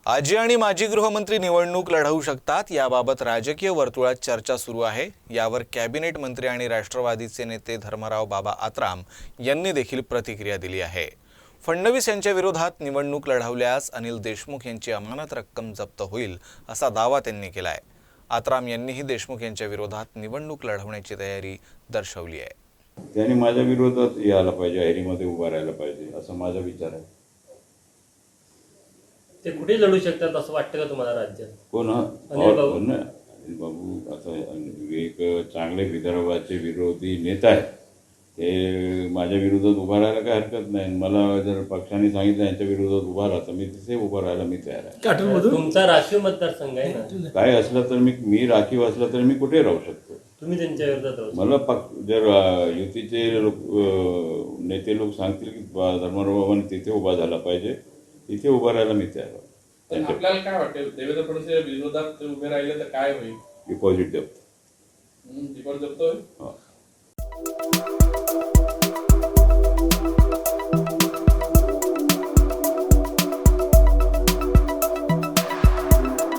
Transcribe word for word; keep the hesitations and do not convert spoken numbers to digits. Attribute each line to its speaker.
Speaker 1: आजी आणि माजी गृहमंत्री निवडणूक लढवू शकतात याबाबत राजकीय वर्तुळात चर्चा सुरू आहे। यावर कॅबिनेट मंत्री आणि राष्ट्रवादीचे नेते धर्मराव बाबा आत्राम यांनी देखील प्रतिक्रिया दिली आहे। फडणवीस यांच्या विरोधात निवडणूक लढवल्यास अनिल देशमुख यांची अमानत रक्कम जप्त होईल असा दावा त्यांनी केला आहे। आत्राम यांनीही देशमुख यांच्या विरोधात निवडणूक लढवण्याची तयारी दर्शवली आहे।
Speaker 2: त्यांनी माझ्या विरोधात यायला पाहिजे, हैरीमध्ये उभा राहायला पाहिजे असं माझा विचार आहे।
Speaker 3: ते कुठे लढू शकतात असं वाटतं का तुम्हाला राज्यात?
Speaker 2: कोण?
Speaker 3: अनिल बाबू
Speaker 2: अनिल बाबू असं एक चांगले विदर्भाचे विरोधी नेता आहे। ते माझ्या विरोधात उभा राहायला काही हरकत नाही। मला जर पक्षाने सांगितलं यांच्या विरोधात उभा राहा तर मी तिथे उभा राहायला मी तयार आहे।
Speaker 3: तुमचा राखीव मतदारसंघ आहे ना,
Speaker 2: काय असलं तर मी मी राखीव असलं तर मी कुठे राहू शकतो।
Speaker 3: तुम्ही त्यांच्या विरोधात राहू शकता।
Speaker 2: मला पक्ष जर युतीचे लोक नेते लोक सांगतील की धर्मराव बाबांनी तिथे उभा झाला पाहिजे, तिथे उभा राहायला मी तयार आहे।
Speaker 4: आपल्याला काय वाटेल देवेंद्र फडणवीस विरोधात उभे राहिले तर काय होईल?
Speaker 2: डिपॉझिट जप्त
Speaker 4: डिपॉझिट जप्त होईल।
Speaker 2: हा।